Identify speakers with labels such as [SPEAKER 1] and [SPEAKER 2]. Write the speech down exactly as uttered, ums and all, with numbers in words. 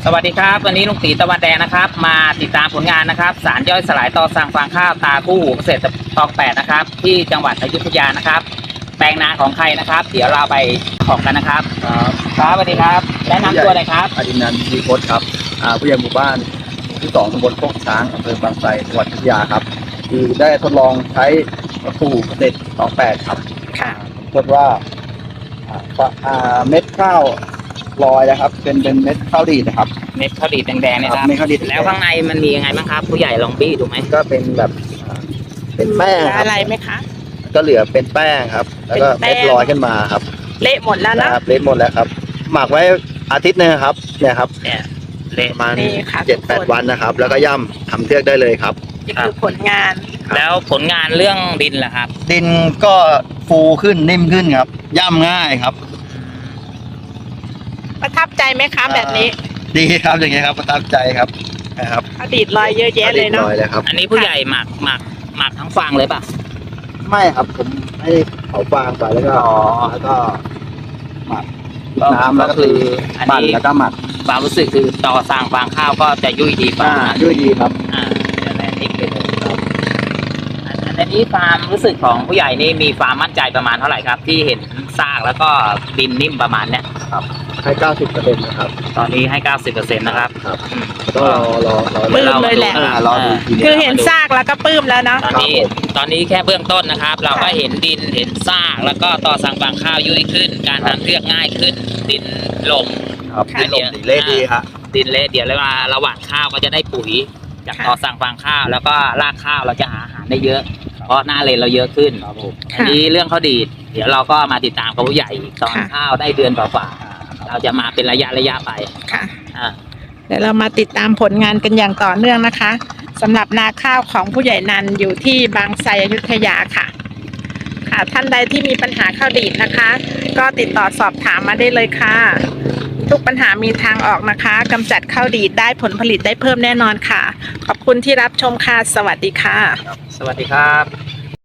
[SPEAKER 1] สวัสดีครับวันนี้ลุงตีตะวันแดงนะครับมาติดตามผลงานนะครับสารย่อยสลายต่อสั่งฟางข้าวตาคู่หูเกษตรตองแปดนะครับที่จังหวัดอยุธยานะครับแปลงนาของใครนะครับเดี๋ยวเราไปของกันนะครับ
[SPEAKER 2] ครับ
[SPEAKER 1] ครับสวัสดีครับแนะนำตัวหน่อยครับ
[SPEAKER 2] อดินันท์ดีโคตครับอ่าผู้ใหญ่หมู่บ้านที่สองตำบลโคกช้างอำเภอบางไทรจังหวัดอยุธยาครับคือได้ทดลองใช้คู่หูเกษตรสองแปดครับ
[SPEAKER 1] ค่ะ
[SPEAKER 2] ทดว่าอ่าอ่าเม็ดข้าวลอยนะครับเป็นเป็นเม็ดข้าวดีดนะครับ
[SPEAKER 1] เม็ดข้าวดีดแดงๆเนี่ยครับ
[SPEAKER 2] เม็ดข้าวดีด
[SPEAKER 1] แล้วข้างในมันมียังไงบ้างครับผู้ใหญ่ลองบี้ดูไหม
[SPEAKER 2] ก็เป็นแบบอ่าเป็นแป้งครับ
[SPEAKER 3] อะไรไหมคะ
[SPEAKER 2] ก็เหลือเป็นแป้งครับแล้วก็เม็ดลอยขึ้นมาครับ
[SPEAKER 3] เละหมดแล้วนะครับ
[SPEAKER 2] เละหมดแล้วครับหมักไว้อาทิตย์นึงครับเนี่ยครับ
[SPEAKER 1] เนี่ยเละ
[SPEAKER 2] ประมาณ
[SPEAKER 3] นี่ค่ะ
[SPEAKER 2] เจ็ดแปดวันนะครับแล้วก็ย่ำทำเทือกได้เลยครับ
[SPEAKER 3] นี่คือผลงาน
[SPEAKER 1] แล้วผลงานเรื่องดินล่ะครับ
[SPEAKER 2] ดินก็ฟูขึ้นนิ่มขึ้นครับย่ำง่ายครับ
[SPEAKER 3] ประทับใจไหมคะแบบนี้
[SPEAKER 2] ดีครับอย่างเงี้ยครับประทับใจครับนะครับ
[SPEAKER 3] อดีตลอยเยอะแยะเลยเนาะ
[SPEAKER 1] อันนี้ผู้ใหญ่หมักหมักหมักทั้งฟางเลยป่ะ
[SPEAKER 2] ไม่ครับผมให้เขาฟางไปแล้วก็แล้วก็หมักน้ำแล้วก็คือปั่นแล้วก็หมัก
[SPEAKER 1] ความรู้สึกคือต่อสั่งฟางข้าวก็จะยุ่ยดีป่ะ
[SPEAKER 2] ยุ่ยดีครับ
[SPEAKER 1] อ่าเดี๋ยวแม่นิดไปเลยครับอันนี้ความรู้สึกของผู้ใหญ่นี่มีความมั่นใจประมาณเท่าไหร่ครับที่เห็นซากแล้วก็ดินนิ่มประมาณเนี้ย
[SPEAKER 2] ครับให้เก้าสิบเปอร์เซ็นต์นะครับ
[SPEAKER 1] ตอนนี้ให้เก้าสิบเปอร์เซ็นต์นะครับ
[SPEAKER 2] ครับก็รอรอรอ
[SPEAKER 3] ปลื้มเลยแหละ
[SPEAKER 2] รอดู
[SPEAKER 3] คือเห็นซากแล้วก็ปลื้มแล้วเนาะ
[SPEAKER 1] ตอนนี้ตอนนี้แค่เบื้องต้นนะครับเราก็เห็นดินเห็นซากแล้วก็ต่อสั่งฟางข้าวยุ่ยขึ้นการทำเทือกง่ายขึ้นดินลง
[SPEAKER 2] ครับดินลงเละดีครับ
[SPEAKER 1] ดินเละเดี๋ยวเวลาระหว่างข้าวก็จะได้ปุ๋ยจากต่อสั่งฟางข้าวแล้วก็รากข้าวเราจะหาอาหารได้เยอะเพราะหน้าเลนเราเยอะขึ้นอันนี้เรื่องข้าวดีดเดี๋ยวเราก็มาติดตามกับผู้ใหญ่ตอนข้าวได้เดือนกว่าๆเราจะมาเป็นระยะระยะไป
[SPEAKER 3] ค่ะเดี๋ยวเรามาติดตามผลงานกันอย่างต่อเนื่องนะคะสำหรับนาข้าวของผู้ใหญ่นันอยู่ที่บางไทรอยุธยาค่ะค่ะท่านใดที่มีปัญหาข้าวดีดนะคะ ก็ติดต่อสอบถามมาได้เลยค่ะทุกปัญหามีทางออกนะคะกำจัดข้าวดีดได้ผลผลิตได้เพิ่มแน่นอนค่ะขอบคุณที่รับชมค่ะสวัสดีค่ะ
[SPEAKER 1] สวัสดีครับ